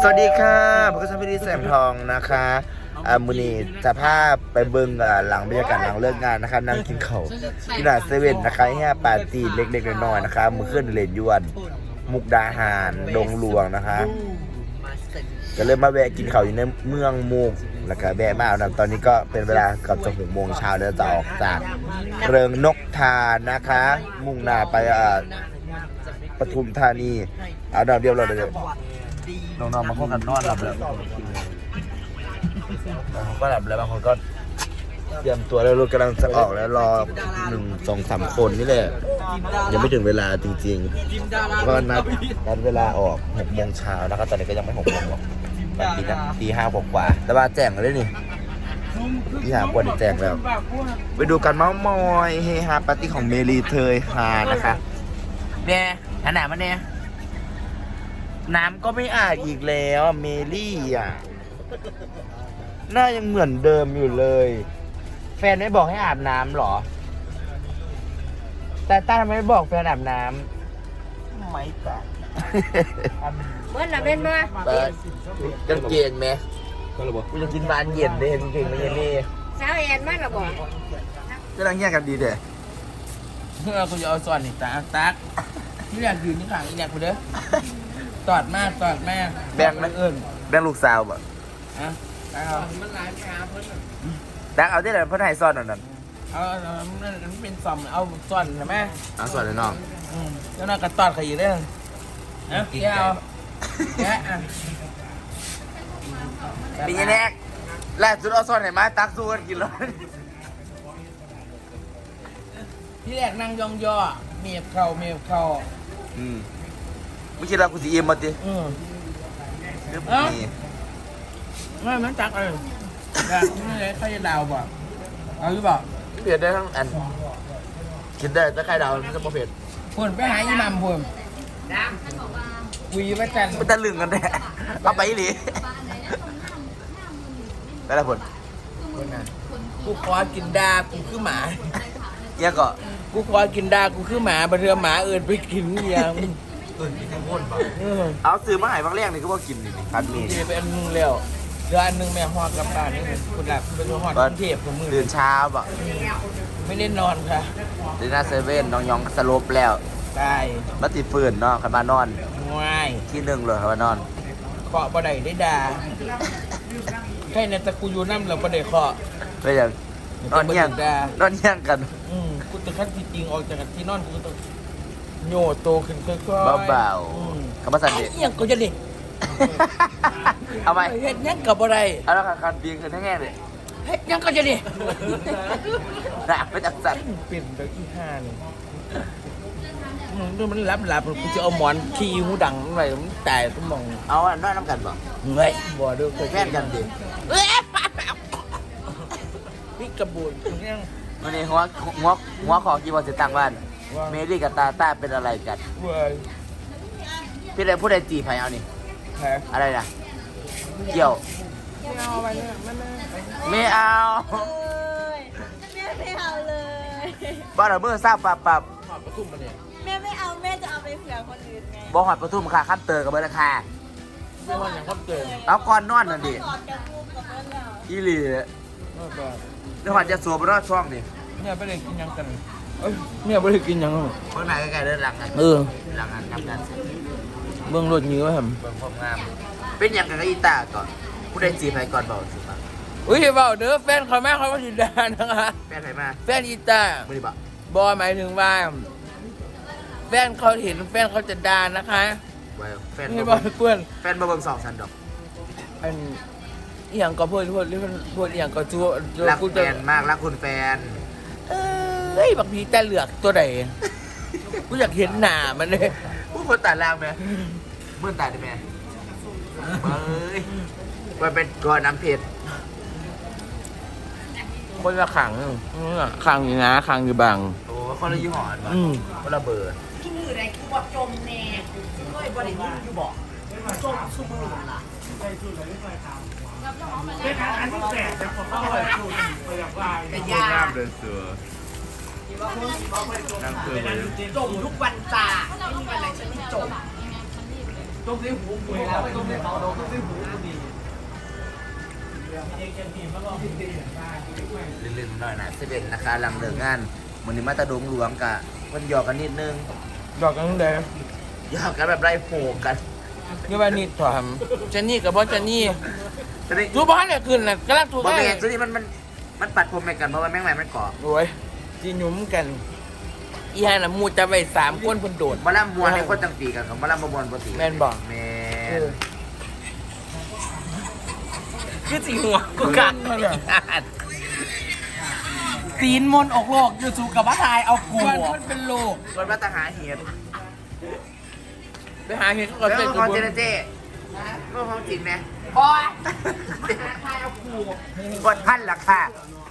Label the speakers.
Speaker 1: สวัสดีค่ะผมก็ชพิธีแสงทองนะคะมือนี้จะพาไปเบิ้งหลังบรรยากาศหลังเลิกงานนะคะนั่งกินข้าวที่ร้านเซเว่นนะคะแค่ปาร์ตี้เล็กๆน้อยๆนะคะมือขึ้นเลนยวนมุกดาหารดงหลวงนะคะก็เลยมาแวะกินข้าวอยู่ในเมืองมุกแล้วก็แวะมาตอนนี้ก็เป็นเวลาเกือบจะ6 โมงเช้าแล้วจะออกจากเริงนกทานะคะมุ่งหน้าไปปทุมธานีเอาดาวเดียวเราเลยน้องๆมาเข้ากันนอนหลับแล้วบางคนก็หลับแล้วบางคนก็เตรียมตัวแล้วรถกำลังจะออกแล้วรอ1 2 3 คนนี่แหละยังไม่ถึงเวลาจริงๆก็นัดเวลาออก6 โมงเช้าแล้วก็ตอนนี้ก็ยังไม่6 โมงหรอกตี 5 กว่าแต่ว่าแจ้งเลยนี่ตี 5 กว่าแจ้งแล้วไปดูกันเมาส์มอยเฮฮาปาร์ตี้ของเมลีเทยฮานะคะเนี่ยขนาดมันเนี่ยน้ำก็ไม่อาบอีกแล้วเมลี่อ่ะหน้ายังเหมือนเดิมอยู่เลยแฟนไม่บอกให้อาบน้ำหรอแต่ต้าทำไมไม่บอกแฟนอาบน้ำไม่ตัด
Speaker 2: เมื่อน่ะเป็นมา
Speaker 1: จังเกงไหมกูจะกินบานเย็นเลยเก่งๆไม่เย็นนี่
Speaker 2: สาวแอนมากหรอบอก
Speaker 1: ก็ลังแยกกันดีเด้
Speaker 3: คุณจะเอาส่วนนี่ตักที่อยากยืนนี่ขังอีกอยากไปเด้อตอดมาก
Speaker 1: แบ่งมันแบ่งลูกสาวบ่
Speaker 3: อ่ะเอามันหลายแผลเพิ่น
Speaker 1: ดักเอาได้เลยเพิ่นให้ซ่อนนั่น
Speaker 3: เอามันเป็นซอมเอาส่วนนะแม่
Speaker 1: เอาซ่อนเลยน้อง
Speaker 3: แล้วน่ากระตอดใครอยู่ได้นะแกเอาแกอ่ะ
Speaker 1: ปีนี้แรกล่าสุดเอาซ่อนให้มาตักสู้กันกินเลย
Speaker 3: ที่แรกนั่งย่องย่อเมียบเข่า
Speaker 1: ไม่คิดว่ากูสิอิ่มมาดิ
Speaker 3: ไม่มันจักเลยแบบนี่เลยใครจะดาวบ่เอาหรือเปล่า
Speaker 1: เผ็ดได้ทั้งอันกินได้แต่ไข่ดาวมันจะบ่เผ็ด
Speaker 3: พุ่นไปหาอีหม่ำพุ่นคุยว่าจัน
Speaker 1: มันตะลึงกันแน่เอาไปหรือไปแล้วพุ่น
Speaker 3: กูขอกินดากูคือหมา
Speaker 1: เนี่ยก็
Speaker 3: กูขอกินดากูคือหมาบัดเทื่อหมาเอิญไปกินอย่าง
Speaker 1: กินทั้งคนบ่เอาซื้อมาให้บางแรกนี่ก็บ่กินนี่คันมี
Speaker 3: เป็นอันนึงแล้วเดือนนึงแม่ฮอดกลับบ้านนี่คุณหลับเป็นฮอดกรุงเทพของมือ
Speaker 1: ตื่นเช้าบ่
Speaker 3: ไม่ได้นอนค่ะ
Speaker 1: เดินหน้าเซเว่นน้องยองสลบแล้ว
Speaker 3: ใช่
Speaker 1: มาติดฟืนเนาะคันมานอน
Speaker 3: ง่าย
Speaker 1: ที่1เลยคันมานอน
Speaker 3: เคาะบ่ได้ได้ด่าใครในตะกูอยู่น้ำเราบ่ได้เคาะ
Speaker 1: ก็อย่างนอนเยี่ยงกัน
Speaker 3: กูจะขั้นจริงออกจากที่นอนกูต้องโยโตขึ้นค่อย
Speaker 1: ๆเบาๆคำว่าสันเด็ด
Speaker 3: ยังก็จะเด็ก
Speaker 1: เอาไป
Speaker 3: เฮ็ดยังกับอะไร
Speaker 1: เอาแล้วการปีนขึ้นแง่เลย
Speaker 3: เฮ็ดยังก็จะเด็ก
Speaker 1: หนักไปจากสัตว์
Speaker 3: เป็นเด็กที่5นี่มันหลับกูจะเอาหมอนขี้หูดังอะไรมันตายก็มอง
Speaker 1: เอาอันน้อยน้ำกันบ่
Speaker 3: เฮ้ยบ่ดู
Speaker 1: เคยแค่กันดิ
Speaker 3: นี่กระบุนยัง
Speaker 1: วันนี้หัวขอกี่วันจะตั้งบ้านเมลี่กับตาเป็นอะไรกันพี่ใดพูดใดจีไผ่เอานี่อะไรนะเกี่ยวไม่เอา
Speaker 2: ไม่เอาเลย
Speaker 1: บ้านเราเมื่อทราบปับ
Speaker 2: แม่ไม่เอาแม่จะเอาไปเผื่อคนอื่นไง
Speaker 1: บ่หอดปทุมค่ะข้ามเตอกับเบอร์ราคาเอาก่อนนอนนั่นดิอีหลีเดี๋ยวหอดจะสวมรอดช่องดิ
Speaker 3: เนี่ยไปเลยกินยังกันเนี่ยไปเลยกินยัง
Speaker 1: เมื่อไหร่ใกล้ๆเดินหลังกันหลังกันทำงานเสร็จ
Speaker 3: เบื้องรถยื้อท
Speaker 1: ำเบื้องความงามเป็นอย่างกับอีตาก่อนผู้ใดจีไผ่ก่อนบอกสิป่ะ
Speaker 3: อุ้ยเบาเด้อแฟนเขาแม่เขาจินดานะคะ
Speaker 1: แฟนใครมา
Speaker 3: แฟนอีตา
Speaker 1: ไม่ได้บอก
Speaker 3: บอหมายถึงว่าแฟนเขาเห็นแฟนเขาจะด่านะคะ
Speaker 1: แฟน
Speaker 3: ไม่บอกเพื่อน
Speaker 1: แฟนมาเบิ่ง2 ชั้นดอก
Speaker 3: อันอย่างก็พูดอย่างก็ชั่ว
Speaker 1: รักแฟนมากรักคุณแฟน
Speaker 3: เฮ้ยบางทีแต่เหลือกตัวไหนกูอยากเห็นหน้ามันเลย
Speaker 1: ผู้คนตาล่างไหมเมื่อตาได้ไหมเฮ้ยมันเป็นก้อนน้ำเผ็ด
Speaker 3: คนละขังอยู่นะขังอยู่บาง
Speaker 1: โอ้คนละยี่ห้อคนละเบอร์
Speaker 2: กินอยู่ไหนกูบอกจมแน่ก็บริบูรณ์อยู่บอกจมชุ่มมือล่ะ
Speaker 4: เป็นอันที่แสบจะขอเข้าไปดูแบบว่า
Speaker 2: เป็นยา
Speaker 1: เดินเสือ
Speaker 2: จมทุกวันจ้าไม่มีวันไหนฉันไม่จม
Speaker 3: ต้มซีหูหวยแล้วไปต้มซีเขาโดนต้มซีหูดี
Speaker 1: ลืมๆหน่อยนะ11นะคะหลังเลิกงานวันนี้มาตะดงหลวงกะมันหยอกกันนิดนึง
Speaker 3: ดอกกันเลย
Speaker 1: หยอกกันแบบไล่โผกัน
Speaker 3: นี่ว่านี่ถามเจนนี่กับบอสเจนนี่
Speaker 1: จะได้
Speaker 3: จูบ้านเนี่ยขึ้นนะกำลังจู
Speaker 1: บอ
Speaker 3: บ้าน
Speaker 1: แมนตัวนี้มันปัดผมไปกันเพราะว่าแม่งใหม่มันเกาะ
Speaker 3: โอ้ยจีหนุ่มกันอีฮันน่ะมูจะไป3 คนคนโดด
Speaker 1: มาล่ำมวนในคนจังปีกันกับมาล่ำมวนปกติ
Speaker 3: แม่นบอก
Speaker 1: แม่
Speaker 3: คือสีหัวกูกันตีนมนออกโลกอยู่สู่กับว่าทายเอากูมันเป็นโลก
Speaker 1: คนมาตะหาเห็ด
Speaker 3: ไปหาเห็นก็
Speaker 1: แล้ว
Speaker 3: เป็น
Speaker 1: ของเจเนเจ้เมื่อของจริงไหม
Speaker 3: บอย
Speaker 1: กดพันราคา